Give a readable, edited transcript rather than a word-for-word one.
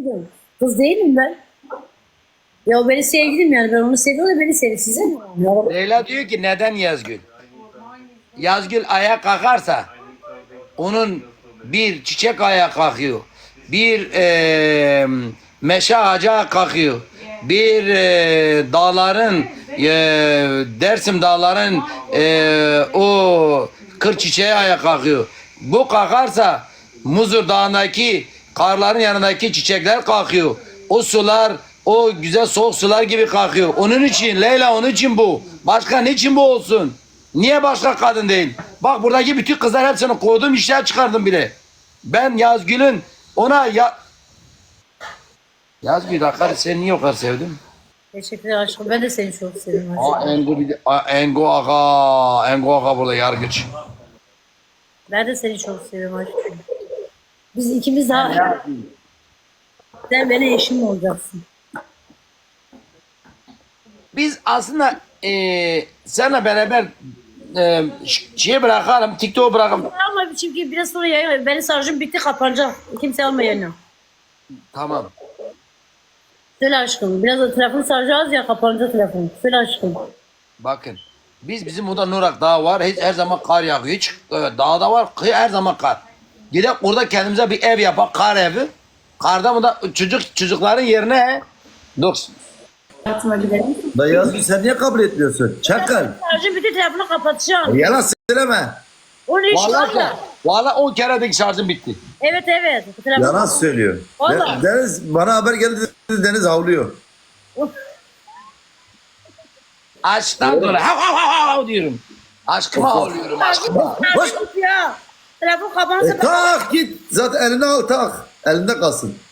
sevgilim. Kız değilim ben. Ya o benim sevgilim yani. Ben onu seviyorum da beni seviyor. Size ne? Ya, Leyla diyor ki neden Yazgül? Yazgül ayağa kalkarsa onun bir çiçek ayağa kalkıyor. Bir meşe ağacı kalkıyor. Bir dağların Dersim dağların o kır çiçeği ayağa kalkıyor. Bu kalkarsa Muzur Dağı'ndaki karların yanındaki çiçekler kalkıyor. O sular o güzel soğuk sular gibi kalkıyor. Onun için Leyla onun için bu. Başka niçin bu olsun? Niye başka kadın değil? Bak buradaki bütün kızlar hepsini kovdum işler çıkardım bile. Ben Yazgül'ün ona Yazgül Hakkari seni niye o kadar sevdim? teşekkürler aşkım. Ben de seni çok seviyorum aşkım. Engo, Engo Aga burada yargıç. Ben de seni çok seviyorum aşkım. Biz ikimiz daha... Sen benim eşim olacaksın. Biz aslında seninle beraber şeye bırakalım, TikTok'u bırakalım. Ama çünkü biraz sonra yayın, benim şarjım bitti kapanacak. Kimse alma yayını. Tamam. Söyle aşkım. Biraz da telefon şarjı az ya kapanacak telefon. Söyle aşkım. Bakın. Bizim burada Nurak Dağı var. Hiç her zaman kar yağıyor. Hiç dağda var. Her zaman kar. Gidelim orada kendimize bir ev yapak. Kar evi. Karda mı da çocukların yerine dur. Hayatıma gidelim. Da Yazgül sen niye kabul etmiyorsun? Çakal. Şarjım bitti telefonu kapatacağım. Yalan söyleme. O ne iş var Vallahi, ya? vallahi 10 keredeki şarjım bitti. Evet evet. Telefon... Yalan söylüyor. Vallahi. Deniz bana haber geldi Deniz havlıyor. Aşktan dolayı hav hav hav hav diyorum. Aşkıma ağlıyorum aşkıma. Hoş. Ya. Telefon kapanırsa Tak git. Zaten elini al tak. Elinde kalsın.